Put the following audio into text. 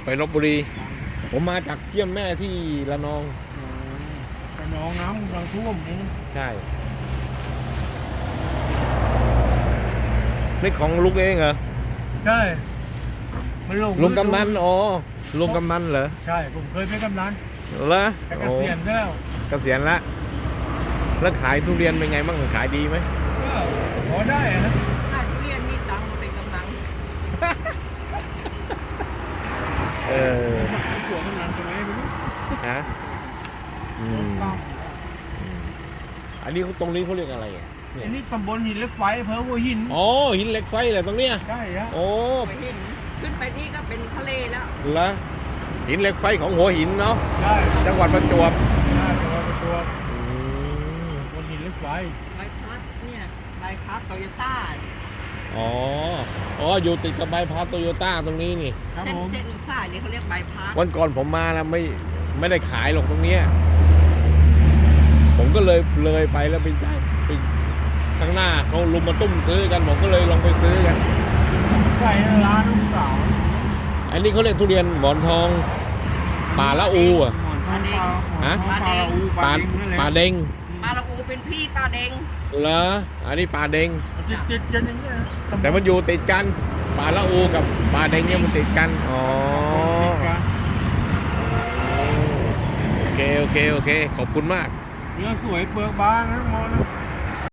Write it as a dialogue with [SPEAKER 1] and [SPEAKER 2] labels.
[SPEAKER 1] ไปลพบุรีผมมาจากเยี่ยมแม่ที่ระนอง
[SPEAKER 2] แต่น้องน้ำกำลังท่วมนี่
[SPEAKER 1] ใช่นี่ของลุงเองเหรอ
[SPEAKER 2] ใช่มันลง
[SPEAKER 1] ลุงกำนันอ๋อลุงกำนันเหรอ
[SPEAKER 2] ใช่ผมเคยเป็นกำนัน
[SPEAKER 1] เหรอ
[SPEAKER 2] แต่เก
[SPEAKER 1] โอ้
[SPEAKER 2] ษียณแล้ว
[SPEAKER 1] เกษียณละแล้วขายทุเรียนเป็นไงบ้างขายดีไหม
[SPEAKER 2] ก็พอได้อะนะ
[SPEAKER 3] ถ้าทุเรียนมีตังค์มาเป็นกำลัง
[SPEAKER 1] เออ
[SPEAKER 2] หัวกำนันตรงไหนไม่รู้
[SPEAKER 1] ฮะอืมอันนี้ตรงนี้เขาเรียกอะไรอ่ะ
[SPEAKER 2] อันนี้ตำบลหินเหล็กไฟอำเภอหัวหิน
[SPEAKER 1] อ๋อหินเหล็กไฟเหรอตรงเนี้ย
[SPEAKER 2] ใช่ฮะ
[SPEAKER 1] โอ้
[SPEAKER 3] ไปเห็นขึ้นไปนี่ก็เป็นทะเลแล้ว
[SPEAKER 1] ละหินเหล็กไฟของหัวหินเนาะ
[SPEAKER 2] ใช่
[SPEAKER 1] จังหวัดประจวบ
[SPEAKER 2] ใช่จังหวัดประจวบ
[SPEAKER 1] อืม
[SPEAKER 2] ตำบลหินเหล็กไฟ
[SPEAKER 3] ใบพัดเนี่ยใบพัดโตโยต้า
[SPEAKER 1] อ๋ออ๋ออยู่ติดกับใบพัดโตโยต้าตรงนี้นี่
[SPEAKER 2] ครับ
[SPEAKER 3] เส้น
[SPEAKER 2] ผม
[SPEAKER 3] เส้นหนึ่งสายเนี่ยเขาเรียกใบพัด
[SPEAKER 1] วันก่อนผมมาแล้วไม่ได้ขายหรอกตรงเนี้ยผมก็เลยไปแล้วไปได้ไปข้างหน้าเขาลุมมาตุ้มซื้อกันผมก็เลยลองไปซื้อกัน
[SPEAKER 2] ใส่ร้านลูกสาว
[SPEAKER 1] อันนี้เขาเรียกทุเรียนหมอนทองป่าละอูอ่ะ
[SPEAKER 2] หมอนทองปลา
[SPEAKER 1] ฮะ
[SPEAKER 2] ปลาอู
[SPEAKER 1] ป่า
[SPEAKER 2] ปลาเด้งนั่นแหละ
[SPEAKER 1] ป่าเด้ง
[SPEAKER 3] ปลาละอูเป็นพี่ปลาเด้ง
[SPEAKER 1] เหรออันนี้ป่าเด้ง
[SPEAKER 2] ติดกันอย่างเงี้ย
[SPEAKER 1] แต่มันอยู่ติดกันป่าละอูกับป่าเด้งเนี่ยมันติดกันอ๋อ
[SPEAKER 2] ติดกัน
[SPEAKER 1] โอเคขอบคุณมาก
[SPEAKER 2] เนื้อสวยเปลือกบางนะมอนะ